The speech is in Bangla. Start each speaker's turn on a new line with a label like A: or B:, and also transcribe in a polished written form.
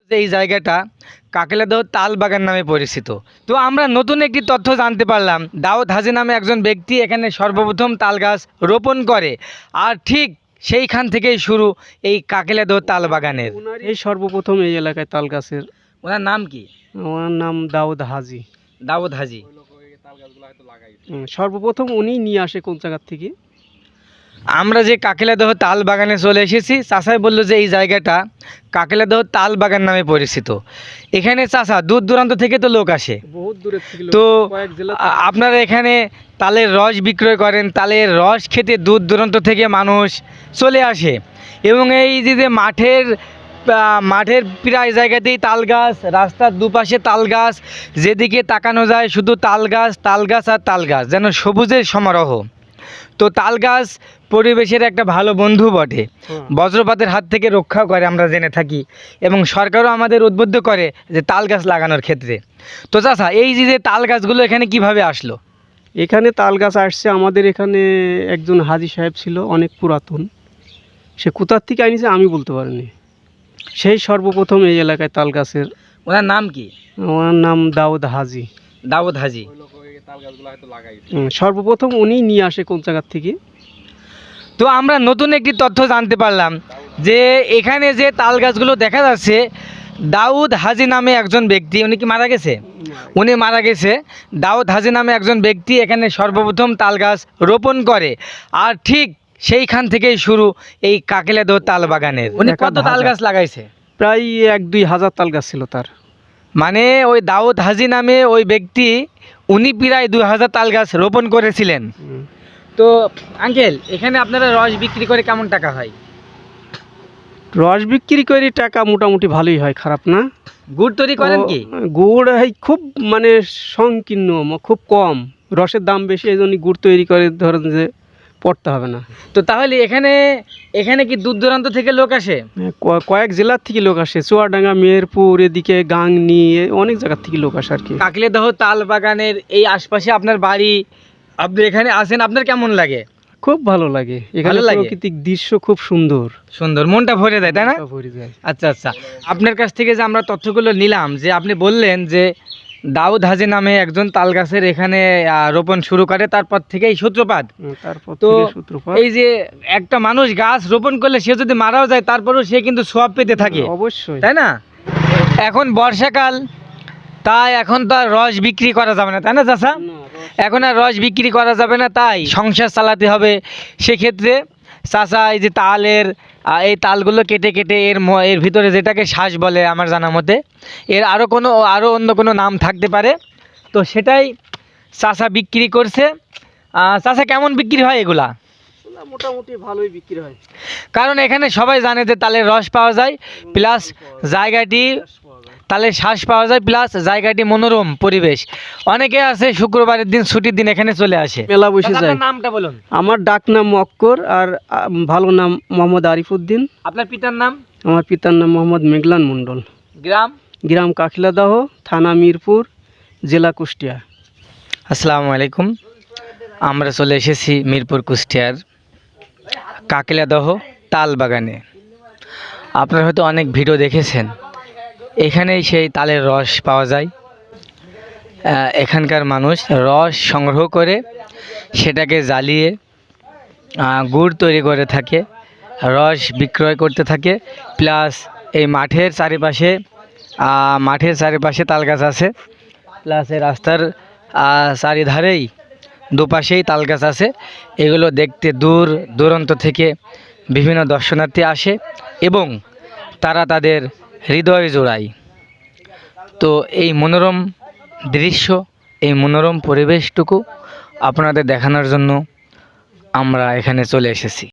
A: এই জায়গাটা কাকেলাদহ তাল বাগান নামে পরিচিত। তো আমরা নতুন একটি তথ্য জানতে পারলাম, দাউদ হাজি নামে একজন ব্যক্তি এখানে সর্বপ্রথম তাল গাছ রোপণ করে, আর ঠিক সেইখান থেকেই শুরু এই কাকেলাদহ তাল বাগানের।
B: এই সর্বপ্রথম এই এলাকায় তাল গাছের।
A: ওনার নাম কি?
B: ওনার নাম দাউদ হাজি।
A: দাউদ হাজি
B: সর্বপ্রথম উনি নিয়ে আসে কোন জায়গার থেকে।
A: আমরা যে কাকেলাদহ তাল বাগানে চলে এসেছি, চাষাই বললো যে এই জায়গাটা কাকেলাদহ তাল বাগান নামে পরিচিত। এখানে চাষা দূর দূরান্ত থেকে তো লোক আসে,
B: বহুত দূরের থেকে
A: তো
B: কয়েক জেলা।
A: আপনারা এখানে তালের রস বিক্রয় করেন, তালের রস খেতে দূর দূরান্ত থেকে মানুষ চলে আসে। এবং এই যে মাঠের প্রায় জায়গাতেই তাল গাছ, রাস্তার দুপাশে তাল গাছ, যেদিকে তাকানো যায় শুধু তাল গাছ আর তাল গাছ, যেন সবুজের সমারোহ। তো তাল গাছ পরিবেশের একটা ভালো বন্ধু বটে, বজ্রপাতের হাত থেকে রক্ষা করে আমরা জেনে থাকি, এবং সরকারও আমাদের উদ্বুদ্ধ করে যে তাল গাছ লাগানোর ক্ষেত্রে। তো চাচা, এই যে তাল গাছগুলো এখানে কিভাবে আসলো?
B: এখানে তাল গাছ আসছে আমাদের এখানে একজন হাজি সাহেব ছিল, অনেক পুরাতন। সে কোথার থেকে আনিছে আমি বলতে পারিনি। সেই সর্বপ্রথম এই এলাকায় তাল গাছের।
A: ওনার নাম কি?
B: ওনার নাম দাউদ হাজি।
A: দাউদ হাজি
B: সর্বপ্রথম উনি নিয়ে আসে কোন জায়গার থেকে।
A: তো আমরা নতুন একটি তথ্য জানতে পারলাম যে এখানে যে তাল গাছগুলো দেখা যাচ্ছে, দাউদ হাজি নামে একজন ব্যক্তি, উনি কি মারা গেছে? উনি মারা গেছে। দাউদ হাজি নামে একজন ব্যক্তি এখানে সর্বপ্রথম তাল গাছ রোপণ করে, আর ঠিক সেইখান থেকেই শুরু এই কাকেলাদহ তাল বাগানের। উনি কত তাল গাছ লাগাইছে?
B: প্রায় 1-2 হাজার তাল গাছ ছিল তার।
A: মানে ওই দাউদ হাজি নামে ওই ব্যক্তি, উনি প্রায় 2000 তাল গাছ রোপণ করেছিলেন। তো আঙ্কেল, এখানে আপনারা রস বিক্রি করে কেমন টাকা হয়?
B: রস বিক্রি করে টাকা মোটামুটি ভালোই হয়, খারাপ না।
A: গুড় তৈরি করেন কি?
B: গুড় খুব মানে সংকীর্ণ, খুব কম, রসের দাম বেশি, এই জন্য গুড় তৈরি করে ধরেন যে পড়তে হবে না।
A: তো তাহলে এখানে কি দূর দূরান্ত থেকে লোক আসে?
B: কয়েক জেলার থেকে লোক আসে, চুয়াডাঙ্গা, মেহেরপুর, এদিকে গাংনি, অনেক জায়গার থেকে লোক আসে আর কি।
A: কাকেলাদহ তাল বাগানের এই আশপাশে আপনার বাড়ি, আপনি এখানে আসেন, আপনার কেমন লাগে?
B: খুব ভালো লাগে। এখানে প্রাকৃতিক দৃশ্য খুব সুন্দর,
A: মনটা ভরে যায়, তাই না?
B: ভরে যায়।
A: আচ্ছা, আপনার কাছ থেকে যে আমরা তথ্যগুলো নিলাম, যে আপনি বললেন যে দাউদ হাজি নামে একজন তাল গাছের এখানে রোপণ শুরু করে, তারপর থেকেই সূত্রপাত। তো এই যে একটা মানুষ গাছ রোপণ করলে সে যদি মারাও যায়, তারপরেও সে কিন্তু সওয়াব পেতে থাকে,
B: অবশ্যই,
A: তাই না? এখন বর্ষাকাল, তাই এখন তো আর রস বিক্রি করা যাবে না, তাই না চাচা? এখন আর রস বিক্রি করা যাবে না, তাই সংসার চালাতে হবে। সেক্ষেত্রে চাচা এই যে এই তালগুলো কেটে কেটে এর ভিতরে যেটাকে শ্বাস বলে আমার জানা মতে, এর আরও অন্য কোনো নাম থাকতে পারে, তো সেটাই চাচা বিক্রি করছে। চাচা, কেমন বিক্রি হয় এগুলা?
B: মোটামুটি ভালোই বিক্রি হয়,
A: কারণ এখানে সবাই জানে যে তালের রস পাওয়া যায়, প্লাস জায়গাটি তালের শ্বাস পাওয়া যায়, প্লাস জায়গাটি মনোরম পরিবেশ। অনেকে আছে শুক্রবারের দিন, ছুটির দিন এখানে চলে আসে,
B: মেলা বসে যায়।
A: নামটা বলুন।
B: আমার ডাক নাম মক্কর, আর ভালো নাম মোহাম্মদ আরিফউদ্দিন।
A: আপনার পিতার নাম?
B: আমার পিতার নাম মোহাম্মদ মেঘলান মণ্ডল।
A: গ্রাম
B: কাকেলাদহ, থানা মিরপুর, জেলা কুষ্টিয়া।
A: আসসালামু আলাইকুম। আমরা চলে এসেছি মিরপুর কুষ্টিয়ার কাকেলাদহ তাল বাগানে। আপনারা হয়তো অনেক ভিডিও দেখেছেন, এখানেই সেই তালের রস পাওয়া যায়। এখানকার মানুষ রস সংগ্রহ করে সেটাকে জ্বালিয়ে গুড় তৈরি করে থাকে, রস বিক্রয় করতে থাকে। প্লাস এই মাঠের চারিপাশে তাল গাছ আছে, প্লাস এই রাস্তার চারিধারেই দুপাশেই তাল গাছ আছে। এগুলো দেখতে দূর দূরান্ত থেকে বিভিন্ন দর্শনার্থী আসে এবং তারা তাদের হৃদয় জোড়ায়। তো এই মনোরম দৃশ্য, এই মনোরম পরিবেশটুকু আপনাদের দেখানোর জন্য আমরা এখানে চলে এসেছি।